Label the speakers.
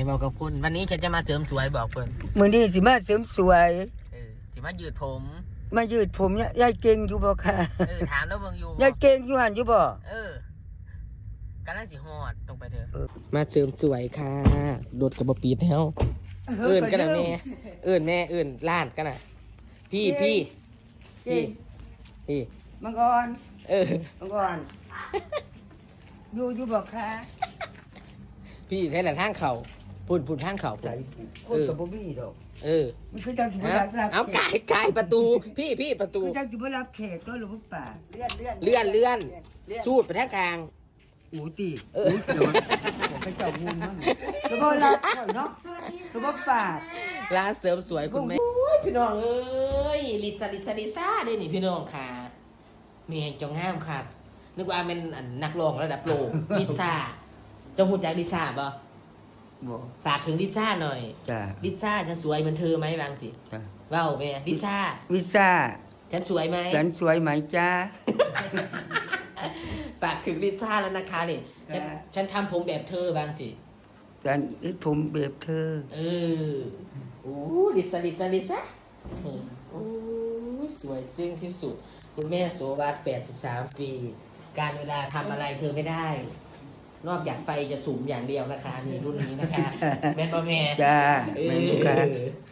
Speaker 1: บอกกับคุณวันนี้ฉันจะมาเสริมสวยบอกเพิ่น
Speaker 2: มื้อนี้สิมาเสริมสวย
Speaker 1: สิมายืดผม
Speaker 2: มายืดผมเนี่ยยายเก่งอยู่บ่ค่ะ
Speaker 1: ถามแล้วเบิ่งอยู่
Speaker 2: ยายเก่งอยู่หั่นอยู่บ่
Speaker 1: กำลังสิฮอดตรงไปเถอะมาเสริมสวยค่ะโดดกับบปีดแล้วเอิ้นกันน่ะแม่เอิ้นแม่เอิ้นล้านกันน่ะพี่
Speaker 2: มังกรมังกรอยู่บ่ค่ะ
Speaker 1: พี่แท้แต่ทางเขาพุ่นทางเขา
Speaker 2: ใจคนก็บ่มีดอกมันคือจังสิบ่รับ
Speaker 1: เอาไก่ประตูพี่ประตู
Speaker 2: คือจังสิบ่รับแขกก็หรือบ่ป่า
Speaker 1: เลื่อนสูดไปทางกลาง
Speaker 2: อูติเดี๋ยวผมไปเจ้างูมั่งแล้วบ่รับข่อยเนาะแล้วบ่ป่า
Speaker 1: ร้านเสริมสวยคุณแม่พี่น้องเอ้ยลิซ่าได้นี่พี่น้องค่ะเมียจงงามครับนึกว่าเป็นนักร้องระดับโลกลิซ่าเจ้าหูจักลิซ่าบ่
Speaker 2: บ่
Speaker 1: ฝากถึงลิซ่าหน่อย
Speaker 2: จ้า
Speaker 1: ลิซ่าฉันสวยเหมือนเธอไหมบางสิ
Speaker 2: จ้า
Speaker 1: ว้าวแม่ลิซ่า
Speaker 2: วิซ่า
Speaker 1: ฉันสวยไหม
Speaker 2: ฉันสวยไหมจ้า
Speaker 1: ฝากถึงลิซ่าแล้วนะคะนี่ฉันทำผมแบบเธอบางสิ
Speaker 2: ฉันผมแบบเธอ
Speaker 1: โอ้ลิซ่าโอ้สวยจริงที่สุดคุณแม่โสวัสดิ์83 ปี การเวลาทำอะไรเธอไม่ได้ นอกจากไฟจะสูงอย่างเดียวนะคะนี่รุ่นนี้นะคะ แม่นบ่แม่
Speaker 2: จ้าแม่นบ่ค่ะ